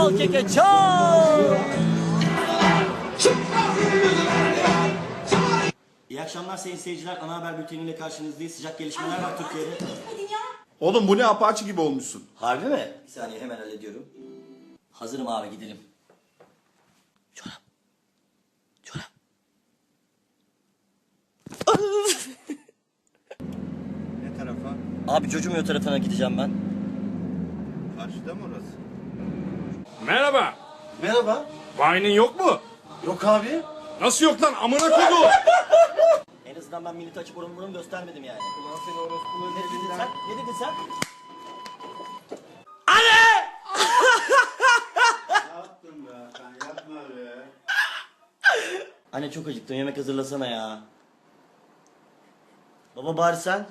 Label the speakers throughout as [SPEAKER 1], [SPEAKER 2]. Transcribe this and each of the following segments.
[SPEAKER 1] Çal keke çal. İyi akşamlar sayın seyirciler. Ana haber bülteniyle karşınızdayız. Sıcak gelişmeler var Türkiye'de.
[SPEAKER 2] Oğlum bu ne Apache gibi olmuşsun.
[SPEAKER 1] Harbi mi? Bir saniye hemen hallediyorum. Hazırım abi gidelim. Çorap. Çorap.
[SPEAKER 2] Ne tarafa?
[SPEAKER 1] Abi Cocumuyor tarafına gideceğim ben.
[SPEAKER 2] Karşıda mı orası?
[SPEAKER 3] Merhaba.
[SPEAKER 2] Merhaba.
[SPEAKER 3] Vine'in yok mu?
[SPEAKER 2] Yok abi.
[SPEAKER 3] Nasıl yok lan? Amına koydu.
[SPEAKER 1] En azından ben milleti açıp oranı göstermedim yani.
[SPEAKER 2] Ulan seni orospuları
[SPEAKER 1] Ne dedin sen? Ne dedin sen?
[SPEAKER 2] Ne yaptın be? Sen yapma be.
[SPEAKER 1] Anne çok acıktım, yemek hazırlasana ya. Baba bari sen.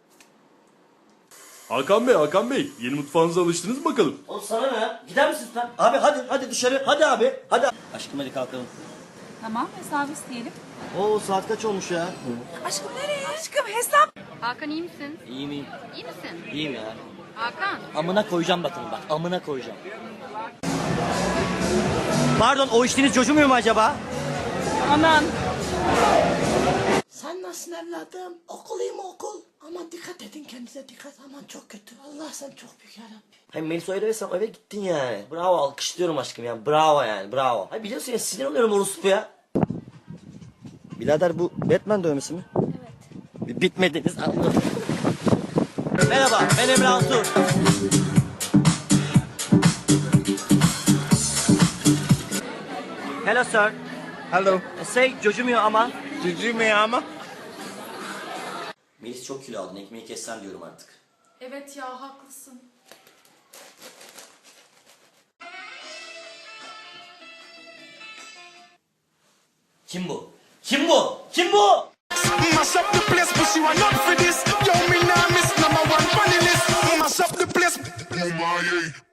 [SPEAKER 3] Hakan Bey, yeni mutfağınıza alıştınız mı bakalım?
[SPEAKER 1] Oğlum sana ne ya? Gider misin sen? Abi hadi dışarı. Hadi abi. Hadi. Aşkım hadi kalkalım.
[SPEAKER 4] Tamam, hesabı isteyelim.
[SPEAKER 1] Oo saat kaç olmuş ya?
[SPEAKER 4] Aşkım nereye? Aşkım hesap.
[SPEAKER 5] Hakan iyi misin?
[SPEAKER 1] İyi miyim?
[SPEAKER 5] İyi misin?
[SPEAKER 1] İyiyim ya.
[SPEAKER 5] Hakan.
[SPEAKER 1] Amına koyacağım bakın bak. Amına koyacağım. Pardon o içtiğiniz Cocumuyor mu acaba?
[SPEAKER 4] Aman.
[SPEAKER 6] Sen nasılsın evladım? Okuluyum okul. Aman dikkat edin kendinize dikkat. Aman çok kötü. Allah sen çok büyük yarabbim.
[SPEAKER 1] Hem Melisa'yı eve eve gittin yani. Bravo alkışlıyorum aşkım yani. Bravo yani bravo. Hayır biliyorsun ya sinir oluyorum orospu ya. Birader bu Batman dövmesi mi? Evet. Bitmediniz anladım. Merhaba ben Emre Altuğ. Hello sir.
[SPEAKER 2] Hello.
[SPEAKER 1] Say Cocumuyor ama.
[SPEAKER 2] Cücü mü ama?
[SPEAKER 1] Melis çok kilo aldın ekmeği kessen diyorum artık.
[SPEAKER 4] Evet ya haklısın.
[SPEAKER 1] Kim bu? Kim bu? Kim bu?
[SPEAKER 7] Mash up the place, but you are not for this. Yo, me nah miss number one funny list. Mash up the place. Oh my, yeah.